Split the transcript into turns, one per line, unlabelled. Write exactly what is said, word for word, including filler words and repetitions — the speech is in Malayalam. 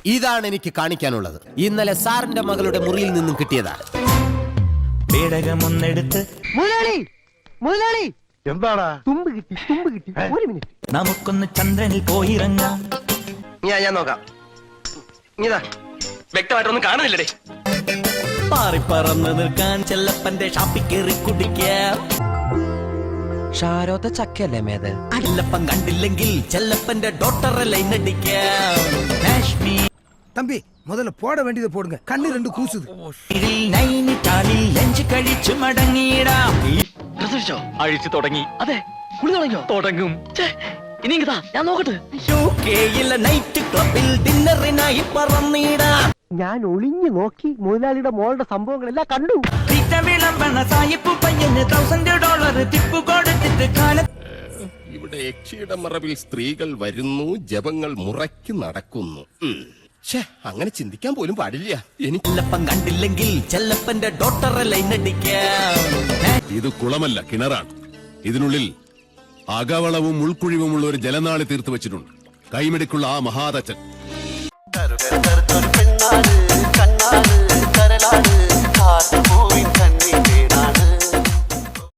ഇതാണ് എനിക്ക് കാണിക്കാനുള്ളത്. ഇന്നലെ സാറിന്റെ മകളുടെ മുറിയിൽ നിന്നും കിട്ടിയതാണ്.
പേടകമൊന്നെടുത്ത്
മുതലാളി മുതലാളി
എന്താടാ?
തുമ്പ് കിട്ടി തുമ്പ് കിട്ടി. ഒരു മിനിറ്റ്.
നമുക്കൊന്ന് ചന്ദ്രനിൽ പോയിറങ്ങാം.
ഞാൻ ഞാൻ നോക്കാം. ഇതാ വ്യക്തമായിട്ടൊന്നും കാണുന്നില്ലടേ.
പാറിപ്പറന്ന് നിൽക്കാൻ ചെല്ലപ്പന്റെ ഷാപ്പിൽ കയറി കുടിക്കാം.
ഷാരോത്ത ചക്കയല്ലേ മേത്?
ചെല്ലപ്പൻ കണ്ടില്ലെങ്കിൽ ചെല്ലപ്പന്റെ ഡോട്ടറെ ലൈൻ അടിക്കാം. കാശ്മീർ
தம்பி முதல்ல போட வேண்டியதை போடுங்க, கண்ணு ரெண்டு கூசுது.
നൈനിറ്റാളിൽ ലഞ്ച് കഴിച്ചു മടങ്ങിയിടാം.
അഴിച്ചു തുടങ്ങി. അതെ കുളി തുടങ്ങിയോ? തുടങ്ങും. ഇനി ഇതാ ഞാൻ നോക്കട്ടെ.
യു കെയിലെ നൈറ്റ് ക്ലബിൽ ഡിന്നറിനായി പറന്നിടാം.
ഞാൻ ഒളിഞ്ഞു നോക്കി മുതലാളിയുടെ മോളുടെ സംഭവങ്ങളെല്ലാം കണ്ടു.
വിളമ്പണ സായിപ്പ് പയ്യന് തൗസൻഡ് ഡോളർ ടിപ്പ് കൊടുത്തിട്ട് കാലത്ത്
ഇവിടെ യക്ഷിയുടെ മറവിൽ സ്ത്രീകൾ വരുന്നു, ജപങ്ങൾ മുറയ്ക്ക് നടക്കുന്നു. അങ്ങനെ ചിന്തിക്കാൻ പോലും പാടില്ല. എനിക്ക്
ചെല്ലപ്പൻ കണ്ടില്ലെങ്കിൽ ചെല്ലപ്പന്റെ ഡോട്ടറെ ലൈൻ അടിക്കാം.
ഇത് കുളമല്ല, കിണറാണ്. ഇതിനുള്ളിൽ അകവളവും ഉൾക്കുഴിവുമുള്ള ഒരു ജലനാളി തീർത്തു വെച്ചിട്ടുണ്ട്. കൈമിടിക്കുള്ള ആ മഹാതച്ചൻ